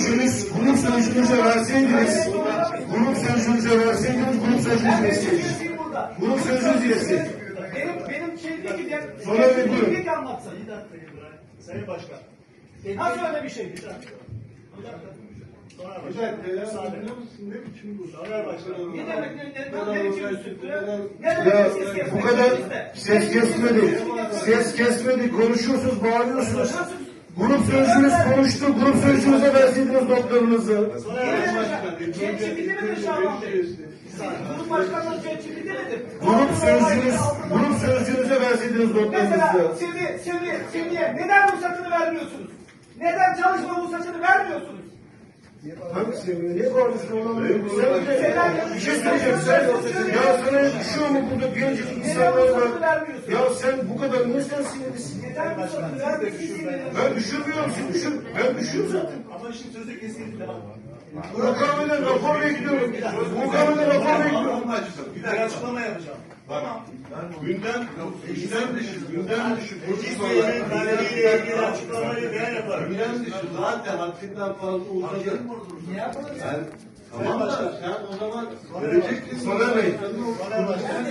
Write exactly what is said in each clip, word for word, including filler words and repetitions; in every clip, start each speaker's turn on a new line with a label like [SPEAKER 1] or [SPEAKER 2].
[SPEAKER 1] sözcünüz, grup sözcünüze verseydiniz, grup sözcünüze verseydiniz, grup sözcünüz yetseydi. Grup sözcünüz yetseydi.
[SPEAKER 2] Benim, benim şeyde giden,
[SPEAKER 1] Sonra bir buyurun.
[SPEAKER 2] bir dakika anlatsın.
[SPEAKER 3] Bir dakika İbrahim. Sayın Başkan.
[SPEAKER 2] Nasıl öyle bir şey?
[SPEAKER 3] Bir dakika. Bir dakika. Soner
[SPEAKER 4] Bir
[SPEAKER 3] Başkan.
[SPEAKER 4] dakika ya,
[SPEAKER 3] Müsaade.
[SPEAKER 4] biliyor musun ne biçim bu?
[SPEAKER 3] Soner Başkan.
[SPEAKER 2] Ne demek, ne, ne, ne biçim üstüntü? Ne
[SPEAKER 1] Ya
[SPEAKER 2] demek ses kesmek?
[SPEAKER 1] bu kadar ses kesmedi, ses kesmedi, konuşuyorsunuz, bağırıyorsunuz. Grup sözcünüz konuştu, grup sözcünüze verseydiniz notlarınızı.
[SPEAKER 3] Soner Başkan.
[SPEAKER 2] Çelçikli midir Şaban Bey? Grup başkanlığı çelçikli midir?
[SPEAKER 1] Grup sözcünüz, grup sözcünüze verseydiniz
[SPEAKER 2] Mesela
[SPEAKER 1] notlarınızı.
[SPEAKER 2] şimdi, şimdi, şimdiye neden ruhsatını vermiyorsunuz? Neden çalışma ruhsatını vermiyorsunuz?
[SPEAKER 1] Hangisi? Niye bağırıyorsun oğlum? Sen bir şey söyleyeceğim. Sen, ya sana yakışıyor mu burada gencecik insanlar var? Ya sen bu kadar niye sen sinirlisin?
[SPEAKER 2] Neden ruhsatını vermiyorsunuz?
[SPEAKER 1] Ben düşürmüyorum, sen düşür. Ben düşüyorum zaten.
[SPEAKER 3] Ama şimdi sözü kesildi. Tamam.
[SPEAKER 1] Mukaveleden rapor bekliyorum. Mukaveleden rapor bekliyorum.
[SPEAKER 3] Bir dakika açıklama yapacağım. Tamam.
[SPEAKER 4] Gündem, gündem dışı, gündem dışı.
[SPEAKER 3] Meclis Bey'in kararıyla ilgili açıklamayı ben yaparım.
[SPEAKER 4] Gündem dışı zaten haddinden fazla uzadı.
[SPEAKER 2] Ne yapalım?
[SPEAKER 4] Yani tamam da sen o zaman verecektin.
[SPEAKER 1] Soner Bey,
[SPEAKER 3] Soner Başkan.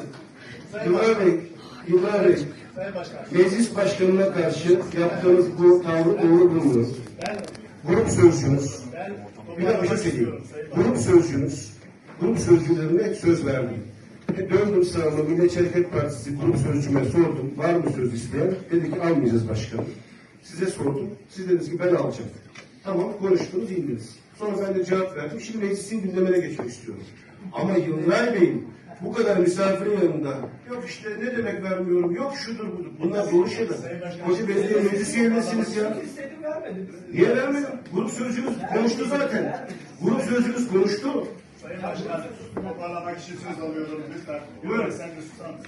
[SPEAKER 3] Sayın
[SPEAKER 1] İbrahim Bey, İbrahim Bey,
[SPEAKER 3] Sayın Başkan.
[SPEAKER 1] meclis başkanına karşı yaptığınız bu tavrı doğru bulmuyorum.
[SPEAKER 3] Ben,
[SPEAKER 1] Grup sözcünüz,
[SPEAKER 3] ben
[SPEAKER 1] bir dakika bir şey söyleyeyim. Grup sözcünüz, grup sözcülerine söz verdim. E, döndüm sağıma, Milliyetçi Hareket Partisi grup sözcüme sordum, var mı söz isteyen? Dedi ki almayacağız başkanım. Size sordum, siz dediniz ki ben alacağım. Tamam, konuştunuz, indiniz. Sonra ben de cevap verdim, şimdi meclisin gündemine geçmek istiyorum. Ama Yılmaz Bey'in bu kadar misafirin yanında, yok işte ne demek vermiyorum, yok şudur budur. Bunlar doğru şeyler. Hoca belediye meclis üyesiniz ya.
[SPEAKER 2] İstedim vermedim.
[SPEAKER 1] Niye vermedim? Grup sözcünüz konuştu zaten. Grup sözcünüz konuştu.
[SPEAKER 3] Sayın Başkan, toparlamak için söz alıyorum lütfen.
[SPEAKER 1] Buyurun.
[SPEAKER 3] Sen de susar mısın?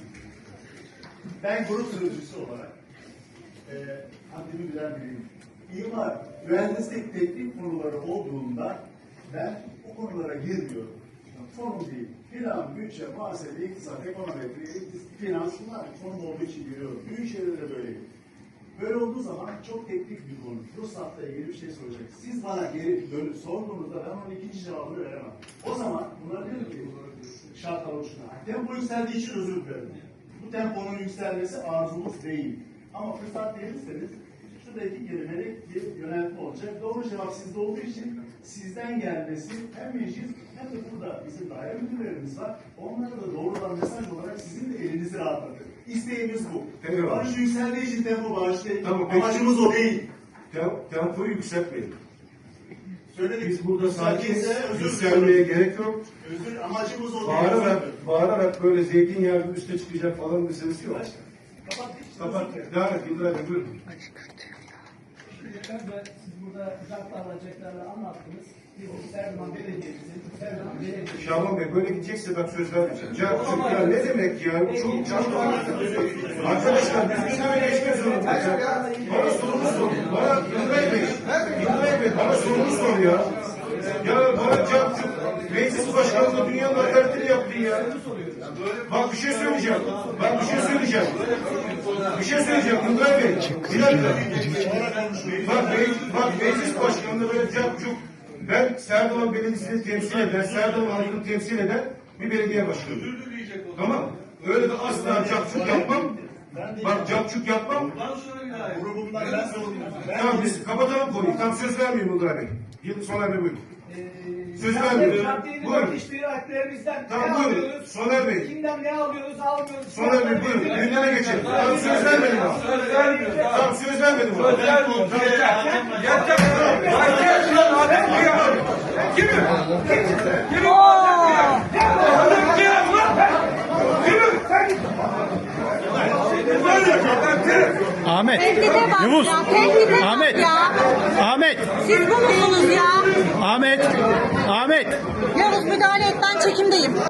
[SPEAKER 3] Ben grup sözcüsü olarak e, haddimi bilen biriyim. İmar, mühendislik teknik konuları olduğunda ben o konulara girmiyorum. Konum değil. Plan, bütçe, muhasebe, iktisat, ekonometri, finans bunlar konum olduğu için giriyorum. Büyük şeylere böyleyim. Böyle olduğu zaman çok teknik bir konu. Ruhsatla ilgili bir şey soracak. Siz bana geri dönüp sorduğunuzda ben onun ikinci cevabını veremem. O zaman bunlar diyor ki şartlar oluşuna. Tempo yükseldiği için özür dilerim. Bu temponun yükselmesi arzumuz değil. Ama fırsat verirseniz şurada iki kelimelik bir yöneltme olacak. Doğru cevap sizde olduğu için sizden gelmesi hem meclis hem de burada bizim daire müdürlerimiz var. Onlara da doğrudan mesaj olarak sizin de elinizi rahatlatır. İsteğimiz bu.
[SPEAKER 1] Eyvallah.
[SPEAKER 3] Barış yükseldiği için tempo bağışlayın.
[SPEAKER 1] Tamam, peki.
[SPEAKER 3] Amacımız o değil.
[SPEAKER 1] Tem tempoyu yükseltmeyin.
[SPEAKER 3] Söyledik.
[SPEAKER 1] Biz burada sakin,
[SPEAKER 3] Sakinse özür
[SPEAKER 1] yükselmeye
[SPEAKER 3] diliyorum.
[SPEAKER 1] gerek yok.
[SPEAKER 3] Özür, amacımız o değil.
[SPEAKER 1] Bağırarak, bağırarak böyle zeytinyağı gibi üste çıkacak falan meselesi yok.
[SPEAKER 3] Kapat.
[SPEAKER 1] Kapat. Devam et İbrahim Bey, buyurun.
[SPEAKER 2] Siz burada zartlarla, alacaklarla anlattınız. Biz Erdoğan Belediye'mizin, Erdoğan Belediye'mizin.
[SPEAKER 1] Şaban Bey böyle gidecekse ben söz vermeyeceğim. Can, ya ne demek ya? Çok çok arkadaşlar biz gündeme geçmek zorundayız ya. Bana sorunu sor. Bana İbrahim Bey, İbrahim Bey bana sorunu sor ya. Ya bana Can çok meclis başkanlığı dünyanın hakaretini yaptın ya. Bak bir şey söyleyeceğim. Bak bir şey söyleyeceğim. Bir şey söyleyeceğim İbrahim Bey. Bir dakika. Bak, me- bak meclis başkanlığı böyle Can çok ben Serdoğan Belediyesi'ni temsil eden, Serdoğan halkını temsil eden bir belediye başkanı. Tamam. Öyle de asla capçuk yapmam. Bak capçuk yapmam.
[SPEAKER 3] Grubumdan ben sorumluyum. Ben
[SPEAKER 1] Tamam biz kapatalım konuyu. Tam söz vermiyorum Uludağ Bey. Yıl Soner Bey buyurun. Söz vermiyorum. Buyurun.
[SPEAKER 2] Teşkilatlerimizden
[SPEAKER 1] Tamam
[SPEAKER 2] ne
[SPEAKER 1] buyurun.
[SPEAKER 2] alıyoruz?
[SPEAKER 1] Soner Bey.
[SPEAKER 2] Kimden ne alıyoruz, almıyoruz?
[SPEAKER 1] Soner Bey buyurun. Gündeme geçelim. Tamam söz vermedim ama. Tamam söz vermedim ama.
[SPEAKER 5] Ahmet.
[SPEAKER 6] Tehdide bak
[SPEAKER 5] Yavuz.
[SPEAKER 6] ya. Tehdide
[SPEAKER 5] Ahmet.
[SPEAKER 6] bak ya.
[SPEAKER 5] Ahmet.
[SPEAKER 6] Siz bu musunuz ya?
[SPEAKER 5] Ahmet. Ahmet.
[SPEAKER 6] Yavuz müdahale et, ben çekimdeyim.